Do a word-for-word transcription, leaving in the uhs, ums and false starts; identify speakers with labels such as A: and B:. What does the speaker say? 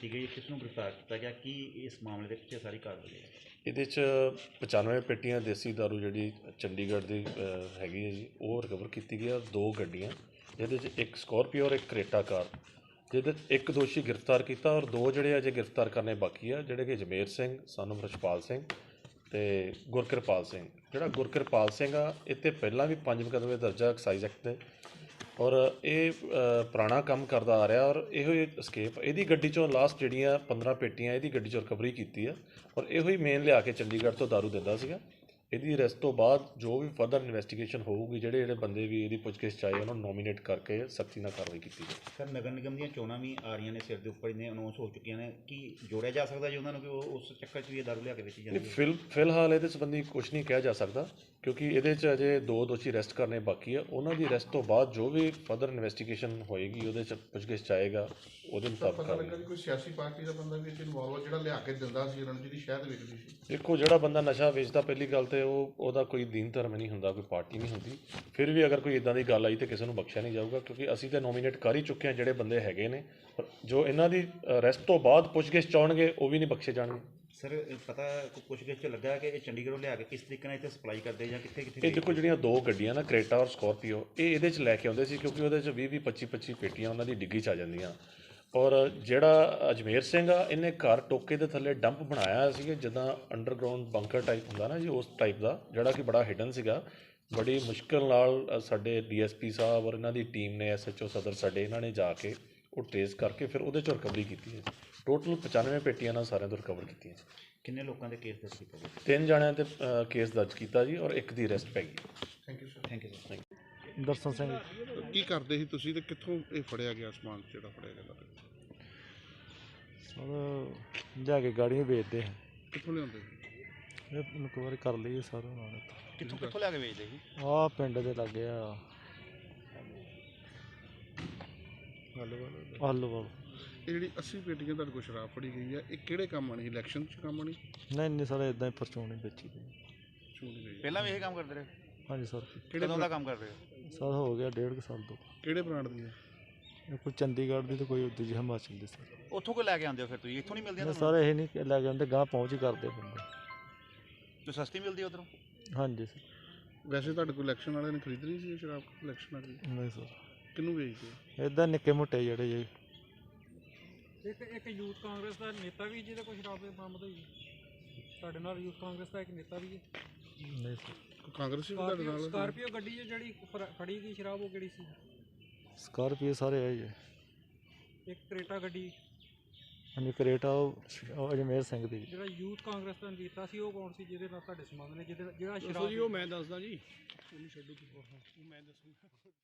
A: ਕੀਤੀ ਗਈ, ਕਿਸ ਨੂੰ ਗ੍ਰਿਫਤਾਰ ਕੀਤਾ ਗਿਆ, ਕੀ ਇਸ ਮਾਮਲੇ ਦੇ ਪਿੱਛੇ ਸਾਰੀ ਕਾਰਵਾਈ ਹੈ?
B: ਇਹਦੇ 'ਚ ਪਚਾਨਵੇਂ ਪੇਟੀਆਂ ਦੇਸੀ ਦਾਰੂ ਜਿਹੜੀ ਚੰਡੀਗੜ੍ਹ ਦੀ ਅ, ਹੈਗੀ ਹੈ ਜੀ, ਉਹ ਰਿਕਵਰ ਕੀਤੀ ਗਈ ਆ। ਦੋ ਗੱਡੀਆਂ, ਜਿਹਦੇ 'ਚ ਇੱਕ ਸਕੋਰਪੀਓ ਔਰ ਇੱਕ ਕਰੇਟਾ ਕਾਰ, ਜਿਹਦੇ 'ਚ ਇੱਕ ਦੋਸ਼ੀ ਗ੍ਰਿਫਤਾਰ ਕੀਤਾ ਔਰ ਦੋ ਜਿਹੜੇ ਅਜੇ ਗ੍ਰਿਫਤਾਰ ਕਰਨੇ ਬਾਕੀ ਆ, ਜਿਹੜੇ ਕਿ ਜਮੇਰ ਸਿੰਘ ਸਾਨੂੰ ਰਛਪਾਲ ਸਿੰਘ ਅਤੇ ਗੁਰਕਿਰਪਾਲ ਸਿੰਘ। ਜਿਹੜਾ ਗੁਰਕਿਰਪਾਲ ਸਿੰਘ ਆ, ਇਹ 'ਤੇ ਪਹਿਲਾਂ ਵੀ ਪੰਜ ਮੁਕੱਦਮੇ ਦਰਜ ਆ ਐਕਸਾਈਜ਼ ਐਕਟ ਦੇ, ਔਰ ਇਹ ਅ, ਪੁਰਾਣਾ ਕੰਮ ਕਰਦਾ ਆ ਰਿਹਾ ਔਰ ਇਹੋ ਹੀ escape ਇਹਦੀ ਗੱਡੀ 'ਚੋਂ ਲਾਸਟ ਜਿਹੜੀਆਂ ਪੰਦਰਾਂ ਪੇਟੀਆਂ ਇਹਦੀ ਗੱਡੀ 'ਚੋਂ ਰਿਕਵਰੀ ਕੀਤੀ ਆ ਔਰ ਇਹੋ ਹੀ ਮੇਨ ਲਿਆ ਕੇ ਚੰਡੀਗੜ੍ਹ ਤੋਂ ਦਾਰੂ ਦਿੰਦਾ ਸੀਗਾ। ਇਹਦੀ ਅਰੈਸਟ ਤੋਂ ਬਾਅਦ ਜੋ ਵੀ ਫਰਦਰ ਇਨਵੈਸਟੀਗੇਸ਼ਨ ਹੋਊਗੀ, ਜਿਹੜੇ ਜਿਹੜੇ ਬੰਦੇ ਵੀ ਇਹਦੀ ਪੁੱਛਗਿੱਛ 'ਚ ਆਏ ਉਹਨਾਂ ਨੂੰ ਨੋਮੀਨੇਟ ਕਰਕੇ ਸਖਤੀ ਨਾਲ ਕਾਰਵਾਈ ਕੀਤੀ ਜਾਵੇ।
A: ਸਰ, ਨਗਰ ਨਿਗਮ ਦੀਆਂ ਚੋਣਾਂ ਵੀ ਆ ਰਹੀਆਂ ਨੇ, ਸਿਰ ਦੇ ਉੱਪਰ ਇਹਨੇ ਅਨਾਉਂਸ ਹੋ ਚੁੱਕੀਆਂ ਨੇ, ਕੀ ਜੋੜਿਆ ਜਾ ਸਕਦਾ ਜੀ ਉਹਨਾਂ ਨੂੰ ਕਿ ਉਹ ਉਸ ਚੱਕਰ 'ਚ ਵੀ ਇਹ ਦਾਰੂ ਲਿਆ ਕੇ ਵੇਚੀ ਜਾਂਦੀ ਹੈ?
B: ਫਿਲ ਫਿਲਹਾਲ ਇਹਦੇ ਸੰਬੰਧੀ ਕੁਝ ਨਹੀਂ ਕਿਹਾ ਜਾ ਸਕਦਾ, ਕਿਉਂਕਿ ਇਹਦੇ 'ਚ ਅਜੇ ਦੋ ਦੋਸ਼ੀ ਅਰੈਸਟ ਕਰਨੇ ਬਾਕੀ ਆ। ਉਹਨਾਂ ਦੀ ਅਰੈਸਟ ਤੋਂ ਬਾਅਦ ਜੋ ਵੀ ਫਰਦਰ ਇਨਵੈਸਟੀਗੇਸ਼ਨ ਹੋਏਗੀ, ਉਹਦੇ 'ਚ ਪੁੱਛਗਿੱਛ 'ਚ ਆਏਗਾ, ਉਹਦੇ ਮੁਤਾਬਕ
C: ਪਤਾ ਲੱਗਾ ਜੀ ਕੋਈ ਸਿਆਸੀ ਪਾਰਟੀ ਦਾ ਬੰਦਾ ਵੀ ਇਨਵੋਲਵ, ਜਿਹੜਾ ਲਿਆ ਕੇ ਦਿੰਦਾ ਸੀ ਰਣਜੀਤ ਦੀ ਸ਼ਹਿਦ ਵੇਚਦੀ ਸੀ।
B: ਦੇਖੋ, ਜਿਹੜਾ ਬੰਦਾ ਨਸ਼ਾ ਵੇਚਦਾ, ਪਹਿਲੀ ਗੱਲ ਤੇ ਉਹ ਉਹਦਾ ਕੋਈ ਦੀਨ ਧਰਮ ਨਹੀਂ ਹੁੰਦਾ, ਕੋਈ ਪਾਰਟੀ ਨਹੀਂ ਹੁੰਦੀ। ਫਿਰ ਵੀ ਅਗਰ ਕੋਈ ਇਦਾਂ ਦੀ ਗੱਲ ਆਈ ਤਾਂ ਕਿਸੇ ਨੂੰ ਬਖਸ਼ਿਆ ਨਹੀਂ ਜਾਊਗਾ, ਕਿਉਂਕਿ ਅਸੀਂ ਤਾਂ ਨੋਮੀਨੇਟ ਕਰ ਹੀ ਚੁੱਕੇ ਹਾਂ ਜਿਹੜੇ ਬੰਦੇ ਹੈਗੇ ਨੇ। ਪਰ ਜੋ ਇਹਨਾਂ ਦੀ ਅਰੈਸਟ ਤੋਂ ਬਾਅਦ ਪੁੱਛਗਿੱਛ ਚਾਹਣਗੇ, ਉਹ ਵੀ ਨਹੀਂ ਬਖਸ਼ੇ ਜਾਣਗੇ।
A: ਸਰ, ਪਤਾ ਪੁੱਛਗਿੱਛ 'ਚ ਲੱਗਾ ਕਿ ਇਹ ਚੰਡੀਗੜ੍ਹੋਂ ਲਿਆ ਕੇ ਕਿਸ ਤਰੀਕੇ ਨਾਲ ਇੱਥੇ ਸਪਲਾਈ ਕਰਦੇ ਜਾਂ ਕਿੱਥੇ ਕਿੱਥੇ?
B: ਇਹ ਦੇਖੋ, ਜਿਹੜੀਆਂ ਦੋ ਗੱਡੀਆਂ ਨਾ, ਕਰੇਟਾ ਔਰ ਸਕੋਰਪੀਓ, ਇਹ ਇਹਦੇ 'ਚ ਲੈ ਕੇ ਆਉਂਦੇ ਸੀ, ਕਿਉਂਕਿ ਉਹਦੇ 'ਚ ਵੀਹ ਵੀਹ ਪੱਚੀ ਪੱਚੀ ਪੇਟੀਆਂ ਉਹਨਾਂ ਦੀ ਡਿੱਗੀ 'ਚ ਆ ਜਾਂਦੀਆਂ। ਔਰ ਜਿਹੜਾ ਅਜਮੇਰ ਸਿੰਘ ਆ, ਇਹਨੇ ਘਰ ਟੋਕੇ ਦੇ ਥੱਲੇ ਡੰਪ ਬਣਾਇਆ ਸੀ, ਜਿੱਦਾਂ ਅੰਡਰਗਰਾਊਂਡ ਬੰਕਰ ਟਾਈਪ ਹੁੰਦਾ ਨਾ ਜੀ, ਉਸ ਟਾਈਪ ਦਾ, ਜਿਹੜਾ ਕਿ ਬੜਾ ਹਿਡਨ ਸੀਗਾ। ਬੜੀ ਮੁਸ਼ਕਿਲ ਨਾਲ ਸਾਡੇ ਡੀ ਐਸ ਪੀ ਸਾਹਿਬ ਔਰ ਇਹਨਾਂ ਦੀ ਟੀਮ ਨੇ, ਐਸ ਐਚ ਓ ਸਦਰ ਸਾਡੇ, ਇਹਨਾਂ ਨੇ ਜਾ ਕੇ ਉਹ ਟ੍ਰੇਸ ਕਰਕੇ ਫਿਰ ਉਹਦੇ 'ਚੋਂ ਰਿਕਵਰੀ ਕੀਤੀ ਹੈ। ਟੋਟਲ ਪਚਾਨਵੇਂ ਪੇਟੀਆਂ ਨਾਲ ਸਾਰਿਆਂ ਤੋਂ ਰਿਕਵਰ ਕੀਤੀਆਂ।
A: ਕਿੰਨੇ ਲੋਕਾਂ ਦੇ ਕੇਸ ਦਰਜ ਕੀਤਾ ਗਿਆ?
B: ਤਿੰਨ ਜਣਿਆਂ 'ਤੇ ਕੇਸ ਦਰਜ ਕੀਤਾ ਜੀ, ਔਰ ਇੱਕ ਦੀ ਅਰੈਸਟ ਪੈ ਗਈ।
C: Thank you sir.
A: Thank you sir.
D: Darshan Singh.
C: ਕੀ ਕਰਦੇ ਸੀ ਤੁਸੀਂ ਤੇ ਕਿੱਥੋਂ ਇਹ ਫੜਿਆ ਗਿਆ ਸਮਾਨ ਜਿਹੜਾ ਫੜਿਆ ਗਿਆ?
D: ਸਰ ਲਿਆ ਕੇ ਗਾੜੀਆਂ ਵੇਚਦੇ ਆ।
C: ਕਿੱਥੋਂ ਲਿਆਉਂਦੇ ਸੀ?
D: ਇਹ ਇਨਕੁਆਇਰੀ ਕਰ ਲਈ ਸਾਰਾ ਨਾਲ।
A: ਕਿੱਥੋਂ ਕਿੱਥੋਂ ਲਿਆ ਕੇ ਵੇਚਦੇ ਸੀ?
D: ਆਹ ਪਿੰਡ ਦੇ ਲਾਗੇ ਆ ਆਲੂਵਾਲ।
C: ਇਹ ਜਿਹੜੀ ਅੱਸੀ ਪੇਟੀਆਂ ਤੁਹਾਡੇ ਕੋਲ ਸ਼ਰਾਬ ਫੜੀ ਗਈ ਆ, ਇਹ ਕਿਹੜੇ ਕੰਮ ਆਣੀ? ਇਲੈਕਸ਼ਨ 'ਚ ਕੰਮ ਆਣੀ?
D: ਨਹੀਂ ਨਹੀਂ ਸਰ, ਇਦਾਂ ਹੀ ਪਰਚੂਨ ਹੀ ਵੇਚੀ ਦੀ।
C: ਚੋਣ ਗਈ
A: ਪਹਿਲਾਂ ਵੀ ਇਹ ਕੰਮ ਕਰਦੇ ਰਹੇ?
D: ਹਾਂਜੀ ਸਰ।
C: ਕਿਹੜੇ
A: ਕਦੋਂ ਦਾ ਕੰਮ ਕਰ ਰਹੇ ਹੋ?
D: ਸਰ ਹੋ ਗਿਆ ਡੇਢ ਕੁ ਸਾਲ ਤੋਂ।
C: ਕਿਹੜੇ ਬ੍ਰਾਂਡ ਦੀ ਆ?
D: ਇਹ ਕੋਈ ਚੰਡੀਗੜ੍ਹ ਦੀ ਤੇ ਕੋਈ ਉੱਦੀ ਜੀ ਹਿਮਾਚਲ ਦੀ ਸਰ।
A: ਉੱਥੋਂ ਕੋਈ ਲੈ ਕੇ ਆਉਂਦੇ ਹੋ ਫਿਰ ਤੁਸੀਂ? ਇੱਥੋਂ ਨਹੀਂ ਮਿਲਦੀਆਂ
D: ਨਹੀਂ ਸਰ, ਇਹ ਨਹੀਂ ਲੈ ਕੇ ਆਉਂਦੇ, ਗਾਂ ਪਹੁੰਚ ਹੀ ਕਰਦੇ ਬੰਦੇ।
A: ਜੋ ਸਸਤੀ ਮਿਲਦੀ ਉਧਰੋਂ?
D: ਹਾਂਜੀ ਸਰ।
C: ਵੈਸੇ ਤੁਹਾਡੇ ਕੋਲ ਇਲੈਕਸ਼ਨ ਵਾਲਿਆਂ ਨੇ ਖਰੀਦਣੀ ਸੀ ਇਹ ਸ਼ਰਾਬ? ਇਲੈਕਸ਼ਨ ਵਾਲੀ
D: ਨਹੀਂ ਸਰ,
C: ਕਿਹਨੂੰ ਵੇਚਦੇ?
D: ਇਦਾਂ ਨਿੱਕੇ ਮੋਟੇ ਜਿਹੜੇ ਜੀ।
E: ਇੱਕ ਇੱਕ ਯੂਥ ਕਾਂਗਰਸ ਦਾ ਨੇਤਾ ਵੀ ਜਿਹਦੇ ਕੋਲ ਸ਼ਰਾਬ ਦੇ ਬਰਾਮਦ ਹੋਈ ਤੁਹਾਡੇ ਨਾਲ, ਯੂਥ ਕਾਂਗਰਸ ਦਾ ਇੱਕ ਨੇਤਾ ਵੀ ਹੈ?
D: ਨਹੀਂ ਸਰ।
C: ਕੋਈ ਕਾਂਗਰਸੀ ਵੀ ਤੁਹਾਡੇ ਨਾਲ?
E: ਸਕਾਰਪੀਓ ਗੱਡੀ 'ਚ ਜਿਹੜੀ ਫੜ- ਫੜੀ ਗਈ ਸ਼ਰਾਬ, ਉਹ ਕਿਹੜੀ ਸੀ?
D: ਸਕਾਰਪੀਓ ਸਾਰੇ ਆਏ ਜੀ।
E: ਇੱਕ ਕਰੇਟਾ ਗੱਡੀ,
D: ਹਾਂਜੀ ਕਰੇਟਾ ਉਹ ਅਜਮੇਰ ਸਿੰਘ ਦੀ।
E: ਜਿਹੜਾ ਯੂਥ ਕਾਂਗਰਸ ਦਾ ਨੇਤਾ ਸੀ, ਉਹ ਕੌਣ ਸੀ ਜਿਹਦੇ ਨਾਲ ਤੁਹਾਡੇ ਸੰਬੰਧ ਨੇ, ਜਿਹਦੇ ਜਿਹੜਾ
F: ਦੱਸੋ
E: ਸ਼ਰਾਬ?
F: ਜੀ, ਉਹ ਮੈਂ ਦੱਸਦਾ ਜੀ, ਉਹਨੂੰ ਛੱਡੋ, ਉਹ ਮੈਂ ਦੱਸੂਗਾ।